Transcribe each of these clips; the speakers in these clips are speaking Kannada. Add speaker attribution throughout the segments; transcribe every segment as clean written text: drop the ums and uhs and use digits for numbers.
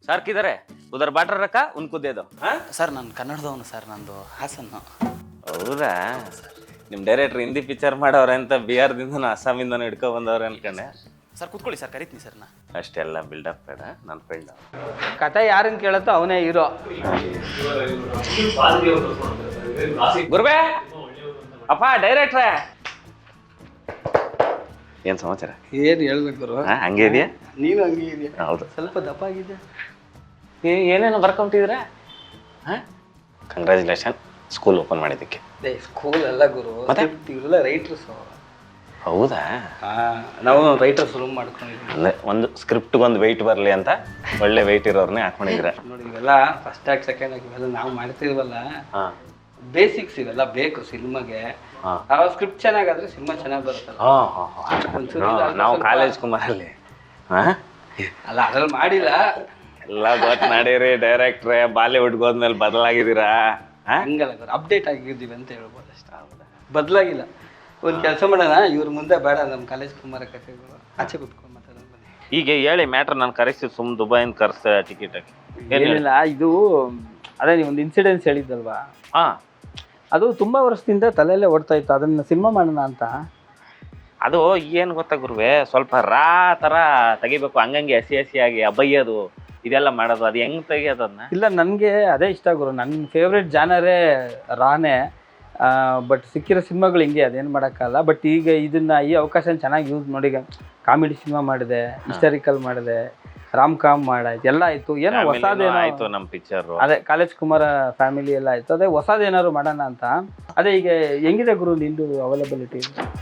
Speaker 1: सर किधर है उधर बाटर रखा उनको दे दो हाँ
Speaker 2: ಸರ್ ನಾನು ಕನ್ನಡದವನು ಸರ್, ನಂದು ಹಾಸನ್ನು.
Speaker 1: ಹೌದಾ ನಿಮ್ಮ ಡೈರೆಕ್ಟ್ರ್ ಹಿಂದಿ ಪಿಕ್ಚರ್ ಮಾಡವ್ರೆ ಅಂತ ಬಿಹಾರದಿಂದನೂ ಅಸ್ಸಾಮಿಂದನೂ ಹಿಡ್ಕೊ ಬಂದವ್ರೆ ಅನ್ಕೊಂಡೆ.
Speaker 2: ಸರ್ ಕೂತ್ಕೊಳ್ಳಿ ಸರ್, ಕರಿತೀನಿ ಸರ್ ನಾ.
Speaker 1: ಅಷ್ಟೆಲ್ಲ ಬಿಲ್ಡಪ್ ಬೇಡ, ನನ್ನ ಫ್ರೆಂಡ್.
Speaker 3: ಕತೆ ಯಾರನ್ನ ಕೇಳುತ್ತೋ ಅವನೇ ಹೀರೋ.
Speaker 1: ಗುರುಬೇ ಅಪ್ಪ ಡೈರೆಕ್ಟ್ರೇ, ಏನು ಸಮಾಚಾರ?
Speaker 3: ಏನು ಹೇಳ್ಬೇಕು ಗುರು?
Speaker 1: ಹಂಗೆ ಇದೆಯಾ?
Speaker 3: ನೀನು ಹಂಗೆ ಇದೆಯಾ?
Speaker 1: ಹೌದು.
Speaker 3: ಸ್ವಲ್ಪ ದಪ್ಪ ಆಗಿದೆ.
Speaker 1: ಏನೇನೋ ಬರ್ಕೊಂಬಿಟ್ಟಿದ್ದೀರಾ? ಹಾಂ, ಕಂಗ್ರ್ಯಾಚುಲೇಷನ್ ಸ್ಕೂಲ್ ಓಪನ್ ಮಾಡಿದ್ದಕ್ಕೆ.
Speaker 3: ಸ್ಕೂಲ್ ಅಲ್ಲ ಗುರು, ಇವರೆಲ್ಲ ರೈಟರ್ಸ್.
Speaker 1: ಹೌದಾ?
Speaker 3: ನಾವು ರೈಟರ್ಸ್ ರೂಮ್ ಮಾಡ್ಕೊಂಡಿದ್ದೀವಿ.
Speaker 1: ಅಂದರೆ ಒಂದು ಸ್ಕ್ರಿಪ್ಟ್ಗೆ ಒಂದು ವೆಯ್ಟ್ ಬರಲಿ ಅಂತ ಒಳ್ಳೆ ವೆಯ್ಟ್ ಇರೋರ್ನೇ ಹಾಕೊಂಡಿದ್ದೀರಾ
Speaker 3: ನೋಡಿ. ಇವೆಲ್ಲ ಫಸ್ಟ್ ಆಗಿ ಸೆಕೆಂಡ್ ಆಗಿ ಇವೆಲ್ಲ ನಾವು ಮಾಡ್ತಿರ್ವಲ್ಲ,
Speaker 1: ಹಾಂ,
Speaker 3: ಬೇಸಿಕ್ಸ್ ಇವೆಲ್ಲ ಬೇಕು ಸಿನಿಮಾಗೆ. ಆ ಸ್ಕ್ರಿಪ್ಟ್ ಚೆನ್ನಾಗಾದ್ರೆ ಸಿನಿಮಾ ಚೆನ್ನಾಗಿ ಬರುತ್ತಲ್ಲ.
Speaker 1: ನಾವು ಕಾಲೇಜ್ ಕುಮಾರಲ್ಲಿ ಹಾಂ
Speaker 3: ಅಲ್ಲ ಅದ್ರಲ್ಲಿ ಮಾಡಿಲ್ಲ.
Speaker 1: ಎಲ್ಲ ಗೊತ್ತು ನಡೀರಿ ಡೈರೆಕ್ಟ್ರೇ, ಬಾಲಿವುಡ್ಗೆ ಹೋದ್ಮೇಲೆ ಬದಲಾಗಿದ್ದೀರಾ?
Speaker 3: ಹಂಗಲ್ಲ ಗುರು, ಅಪ್ಡೇಟ್ ಆಗಿದ್ದೀವಿ ಅಂತ ಹೇಳ್ಬೋದು ಅಷ್ಟೇ. ಬದಲಾಗಿಲ್ಲ. ಒಂದು ಕೆಲಸ ಮಾಡೋಣ, ಇವ್ರ ಮುಂದೆ ಬೇಡ, ನಮ್ಮ ಕಾಲೇಜ್ ಕುಮಾರ ಕಥೆಗಳು ಆಚೆ ಕುತ್ಕೊಂಡು ಮಾತಾಡೋಣ ಬನ್ನಿ.
Speaker 1: ಈಗ ಹೇಳಿ ಮ್ಯಾಟ್ರ್, ನಾನು ಕರೆಸ್ತೀವಿ ಸುಮ್ ದುಬೈನ ಕರ್ಸ ಟಿಕೆಟ್ ಹಾಕಿ.
Speaker 3: ಏನಿಲ್ಲ, ಇದು ಅದೇ ನೀವೊಂದು ಇನ್ಸಿಡೆನ್ಸ್ ಹೇಳಿದ್ದಲ್ವಾ,
Speaker 1: ಹಾಂ,
Speaker 3: ಅದು ತುಂಬ ವರ್ಷದಿಂದ ತಲೆಯಲ್ಲೇ ಓಡ್ತಾ ಇತ್ತು, ಅದನ್ನು ಸಿನಿಮಾ ಮಾಡೋಣ ಅಂತ.
Speaker 1: ಅದು ಏನು ಗೊತ್ತಾ ಗುರುವೆ, ಸ್ವಲ್ಪ ರಾ ಥರ ತೆಗಿಬೇಕು, ಹಂಗಂಗೆ ಹಸಿಯಾಗಿ ಅಬಯ್ಯೋದು ಇದೆಲ್ಲ ಮಾಡೋದು, ಅದು ಹೆಂಗೆ ತೆಗಿಯೋದು ಅದನ್ನ?
Speaker 3: ಇಲ್ಲ, ನನಗೆ ಅದೇ ಇಷ್ಟ ಗುರು, ನನ್ನ ಫೇವ್ರೆಟ್ ಜಾನರೇ ರಾನೇ. ಬಟ್ ಸಿಕ್ಕಿರೋ ಸಿನಿಮಾಗಳು ಹಿಂಗೆ, ಅದೇನು ಮಾಡೋಕ್ಕಲ್ಲ. ಬಟ್ ಈಗ ಇದನ್ನು ಈ ಅವಕಾಶನ ಚೆನ್ನಾಗಿ ಯೂಸ್ ಮಾಡಿ ಕಾಮಿಡಿ ಸಿನಿಮಾ ಮಾಡಿದೆ, ಹಿಸ್ಟಾರಿಕಲ್ ಮಾಡಿದೆ, ರಾಮ್ ಕಾಮ್ ಮಾಡಾಯ್ತು, ಎಲ್ಲ ಆಯಿತು. ಏನೋ ಹೊಸದೇನೋ
Speaker 1: ಆಯಿತು ನಮ್ಮ ಪಿಕ್ಚರು.
Speaker 3: ಅದೇ ಕಾಲೇಜ್ ಕುಮಾರ ಫ್ಯಾಮಿಲಿ ಎಲ್ಲ ಆಯಿತು. ಅದೇ ಹೊಸದೇನಾದ್ರು ಮಾಡೋಣ ಅಂತ. ಅದೇ ಈಗ ಹೆಂಗಿದೆ ಗುರು ನಿಂದು availability?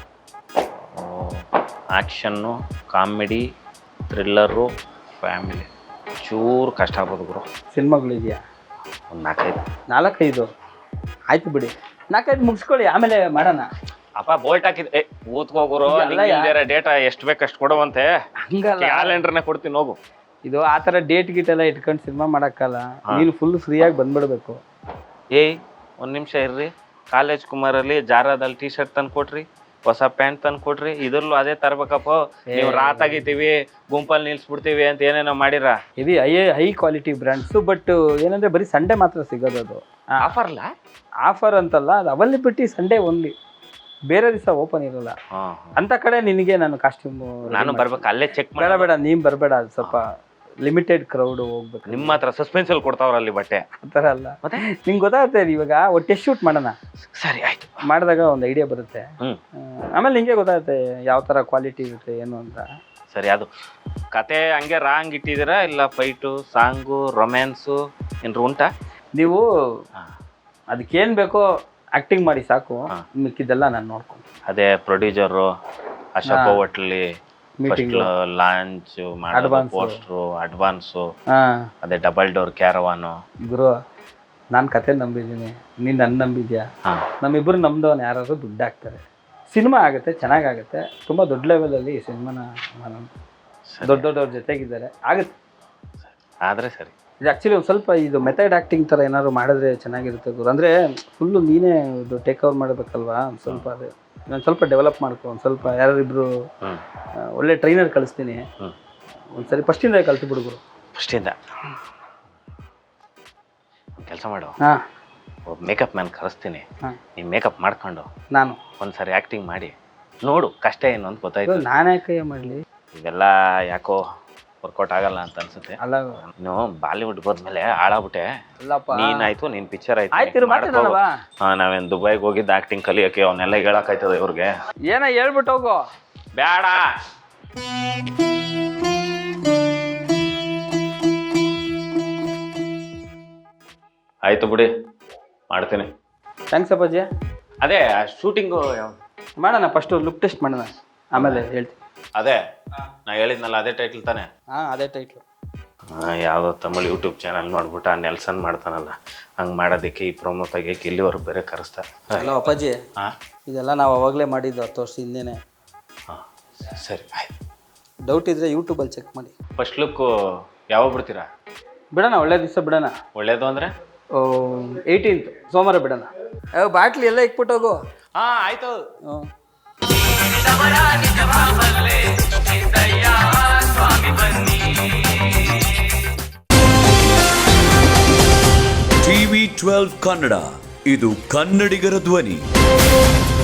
Speaker 1: Action, comedy, thriller, family, ಚೂರು ಕಷ್ಟ ಆಗ್ಬೋದು ಗುರು.
Speaker 3: ಸಿನಿಮಾಗಳಿದೆಯಾ?
Speaker 1: ಒಂದು 4-5.
Speaker 3: 4-5 ಆಯ್ತು ಬಿಡಿ, 4-5 ಮುಗಿಸ್ಕೊಳ್ಳಿ, ಆಮೇಲೆ ಮಾಡೋಣ.
Speaker 1: ಅಪ್ಪ ಬೋಲ್ಟ್ ಹಾಕಿದ್ ಊದ್ಕೋಗುರು, ಡೇಟಾ ಎಷ್ಟು ಬೇಕು ಅಷ್ಟು ಕೊಡುವಂತೆ.
Speaker 3: ಹಂಗಲ್ಲ,
Speaker 1: ಕ್ಯಾಲೆಂಡರ್ನೇ ಕೊಡ್ತೀನಿ ಹೋಗು.
Speaker 3: ಇದು ಆ ಥರ ಡೇಟ್ ಗೀಟ್ ಎಲ್ಲ ಇಟ್ಕೊಂಡು ಸಿನಿಮಾ ಮಾಡೋಕ್ಕಲ್ಲ. ನೀನು ಫುಲ್ ಫ್ರೀಯಾಗಿ ಬಂದ್ಬಿಡ್ಬೇಕು.
Speaker 1: ಒಂದು ನಿಮಿಷ ಇರ್ರಿ, ಕಾಲೇಜ್ ಕುಮಾರಲ್ಲಿ ಜಾರದಲ್ಲಿ ಟೀ ಶರ್ಟ್ ತಂದು ಕೊಟ್ರಿ, ಹೊಸ ಪ್ಯಾಂಟ್ ತಂದು ಕೊಟ್ರಿ, ಇದ್ರಲ್ಲೂ ಅದೇ ತರ್ಬೇಕಪ್ಪ. ನೀವು ರಾತಾಗಿದ್ದೀವಿ, ಗುಂಪಲ್ಲಿ ನಿಲ್ಸ್ಬಿಡ್ತೀವಿ ಅಂತ ಏನೇನೋ ಮಾಡಿರ.
Speaker 3: ಇದು ಹೈ ಕ್ವಾಲಿಟಿ ಬ್ರ್ಯಾಂಡ್ಸು. ಬಟ್ ಏನಂದರೆ ಬರೀ ಸಂಡೇ ಮಾತ್ರ ಸಿಗೋದು. ಅದು
Speaker 1: ಆಫರ್ಲ್ಲ?
Speaker 3: ಆಫರ್ ಅಂತಲ್ಲ, ಅದು ಅವೈಲಬಿಲಿಟಿ ಸಂಡೇ ಓನ್ಲಿ, ಬೇರೆ ದಿವಸ ಓಪನ್ ಇರೋಲ್ಲ. ಅಂತ ಕಡೆ ನಿನಗೆ ನಾನು ಕಾಸ್ಟ್ಯೂಮ್
Speaker 1: ನಾನು ಬರ್ಬೇಕು, ಅಲ್ಲೇ ಚೆಕ್
Speaker 3: ಬೇಡ ಬೇಡ, ನೀನು ಬರಬೇಡ, ಅದು ಸ್ವಲ್ಪ ಲಿಮಿಟೆಡ್ ಕ್ರೌಡ್ ಹೋಗ್ಬೇಕು.
Speaker 1: ನಿಮ್ಮ ಹತ್ರ ಸಸ್ಪೆನ್ಸಲ್ಲಿ ಕೊಡ್ತಾವ್ರಲ್ಲಿ ಬಟ್ಟೆ
Speaker 3: ಆ ಥರ ಅಲ್ಲ. ಮತ್ತೆ ನಿಂಗೆ ಗೊತ್ತಾಗುತ್ತೆ, ಇವಾಗ ಒಟ್ಟೆ ಶೂಟ್ ಮಾಡೋಣ.
Speaker 1: ಸರಿ ಆಯ್ತು,
Speaker 3: ಮಾಡಿದಾಗ ಒಂದು ಐಡಿಯಾ ಬರುತ್ತೆ. ಆಮೇಲೆ ನಿಂಗೆ ಗೊತ್ತಾಗುತ್ತೆ ಯಾವ ಥರ ಕ್ವಾಲಿಟಿ ಇರುತ್ತೆ ಏನು ಅಂತ.
Speaker 1: ಸರಿ, ಅದು ಕತೆ ಹಂಗೆ ರಾಂಗ್ ಇಟ್ಟಿದ್ದೀರಾ ಇಲ್ಲ ಫೈಟು, ಸಾಂಗು, ರೊಮ್ಯಾನ್ಸು ಏನ್ರು ಉಂಟಾ?
Speaker 3: ನೀವು ಅದಕ್ಕೇನು ಬೇಕೋ ಆ್ಯಕ್ಟಿಂಗ್ ಮಾಡಿ ಸಾಕು, ಮಿಕ್ಕಿದ್ದೆಲ್ಲ ನಾನು ನೋಡ್ಕೊಂಡು.
Speaker 1: ಅದೇ ಪ್ರೊಡ್ಯೂಸರು ಅಶೋಕ ಹೋಟ್ಲಿ ಲಾಂಚ್ ಮಾಡೋದು, ಪೋಸ್ಟ್ರು, ಅಡ್ವಾನ್ಸು, ಅದೇ ಡಬಲ್ ಡೋರ್ ಕ್ಯಾರವಾನು.
Speaker 3: ಗುರು, ನಾನು ಕತೆ ನಂಬಿದ್ದೀನಿ, ನೀನು ನನ್ನ ನಂಬಿದ್ಯಾ? ನಮ್ಮಿಬ್ಬರು ನಮ್ದವನು ಯಾರಾದ್ರು ದುಡ್ಡು ಹಾಕ್ತಾರೆ, ಸಿನಿಮಾ ಆಗುತ್ತೆ, ಚೆನ್ನಾಗಾಗುತ್ತೆ. ತುಂಬ ದೊಡ್ಡ ಲೆವೆಲಲ್ಲಿ ಸಿನಿಮಾನ ದೊಡ್ಡವ್ರ ಜೊತೆಗಿದ್ದಾರೆ, ಆಗುತ್ತೆ.
Speaker 1: ಆದರೆ ಸರಿ,
Speaker 3: ಇದು ಆ್ಯಕ್ಚುಲಿ ಒಂದು ಸ್ವಲ್ಪ ಇದು ಮೆಥಡ್ ಆ್ಯಕ್ಟಿಂಗ್ ಥರ ಏನಾದ್ರು ಮಾಡಿದ್ರೆ ಚೆನ್ನಾಗಿರುತ್ತೆ ಗುರು. ಅಂದರೆ ಫುಲ್ಲು ನೀನೇ ಇದು ಟೇಕ್ ಓವರ್ ಮಾಡಬೇಕಲ್ವಾ, ಒಂದು ಸ್ವಲ್ಪ ಅದೇ ನಾನು ಸ್ವಲ್ಪ ಡೆವಲಪ್ ಮಾಡ್ಕೊ. ಒಂದು ಸ್ವಲ್ಪ ಯಾರಿಬ್ರು ಒಳ್ಳೆ ಟ್ರೈನರ್ ಕಳಿಸ್ತೀನಿ, ಒಂದು ಸರಿ ಫಸ್ಟಿಂದ ಕಲ್ತು ಬಿಡು ಗುರು.
Speaker 1: ಫಸ್ಟಿಂದ ಕೆಲಸ ಮಾಡು,
Speaker 3: ಹಾಂ,
Speaker 1: ಒಬ್ಬ ಮೇಕಪ್ ಮ್ಯಾನ್ ಕರೆಸ್ತೀನಿ, ನೀವು ಮೇಕಪ್ ಮಾಡ್ಕೊಂಡು
Speaker 3: ನಾನು
Speaker 1: ಒಂದು ಸರಿ ಆ್ಯಕ್ಟಿಂಗ್ ಮಾಡಿ ನೋಡು, ಕಷ್ಟ ಏನು ಅಂತ ಗೊತ್ತಾಯ್ತು.
Speaker 3: ನಾನು ಯಾಕೆ ಮಾಡಲಿ,
Speaker 1: ಇವೆಲ್ಲ ಯಾಕೋ ವರ್ಕೌಟ್ ಆಗಲ್ಲ ಅಂತ ಅನ್ಸುತ್ತೆ.
Speaker 3: ಅಲ್ಲ,
Speaker 1: ನೀನು ಬಾಲಿವುಡ್ ಹೋದ್ಮೇಲೆ ಹಾಳಾಗ್ಬಿಟ್ಟೆ.
Speaker 3: ಅಲ್ಲಪ್ಪ,
Speaker 1: ನೀನಾಯ್ತು, ನಿನ್ ಪಿಕ್ಚರ್ ಆಯ್ತು. ನಾವೇನು ದುಬೈಗೆ ಹೋಗಿದ್ದು ಆಕ್ಟಿಂಗ್ ಕಲಿಯೋಕೆ, ಅವನ್ನೆಲ್ಲ ಹೇಳಕ್ಕಾಯ್ತದ ಇವ್ರಿಗೆ?
Speaker 3: ಏನೋ ಹೇಳ್ಬಿಟ್ಟು ಹೋಗು.
Speaker 1: ಬೇಡ, ಆಯ್ತು ಬಿಡಿ, ಮಾಡ್ತೀನಿ.
Speaker 3: ಥ್ಯಾಂಕ್ಸ್ ಅಪ್ಪಾಜಿ.
Speaker 1: ಅದೇ ಶೂಟಿಂಗು
Speaker 3: ಮಾಡೋಣ, ಫಸ್ಟು ಲುಕ್ ಟೆಸ್ಟ್ ಮಾಡೋಣ, ಆಮೇಲೆ ಹೇಳ್ತೀನಿ.
Speaker 1: ಅದೇ ನಾ ಹೇಳಿದ್ನಲ್ಲ, ಅದೇ ಟೈಟ್ಲ್ ತಾನೆ?
Speaker 3: ಹಾಂ, ಅದೇ ಟೈಟ್ಲು.
Speaker 1: ಯಾವುದೋ ತಮಿಳ್ ಯೂಟ್ಯೂಬ್ ಚಾನಲ್ ನೋಡ್ಬಿಟ್ಟು ಆ ನೆಲ್ಸನ್ ಮಾಡ್ತಾನಲ್ಲ, ಹಂಗೆ ಮಾಡೋದಕ್ಕೆ ಈ ಪ್ರೊಮೋ ತೆಗಿಯೋಕೆ ಇಲ್ಲಿವರೆಗೂ ಬೇರೆ ಕರೆಸ್ತಾರೆ.
Speaker 3: ಹಲೋ ಅಪ್ಪಾಜಿ, ಇದೆಲ್ಲ ನಾವು ಅವಾಗಲೇ ಮಾಡಿದ್ದು 10 ವರ್ಷ ಹಿಂದೆನೇ.
Speaker 1: ಹಾಂ, ಸರಿ ಆಯ್ತು.
Speaker 3: ಡೌಟ್ ಇದ್ದರೆ ಯೂಟ್ಯೂಬಲ್ಲಿ ಚೆಕ್ ಮಾಡಿ.
Speaker 1: ಫಸ್ಟ್ ಲುಕ್ಕು ಯಾವಾಗ ಬಿಡ್ತೀರಾ?
Speaker 3: ಬಿಡೋಣ, ಒಳ್ಳೆ ದಿವಸ ಬಿಡೋಣ.
Speaker 1: ಒಳ್ಳೇದು ಅಂದರೆ
Speaker 3: 18th ಸೋಮವಾರ ಬಿಡೋಣ. ಬಾಟ್ಲಿ ಎಲ್ಲ ಇಕ್ಬಿಟ್ಟೋಗು.
Speaker 1: ಹಾಂ, ಆಯಿತು.
Speaker 4: ಸ್ವಾಮಿ ಬನ್ನಿ. TV 12 ಕನ್ನಡ, ಇದು ಕನ್ನಡಿಗರ ಧ್ವನಿ.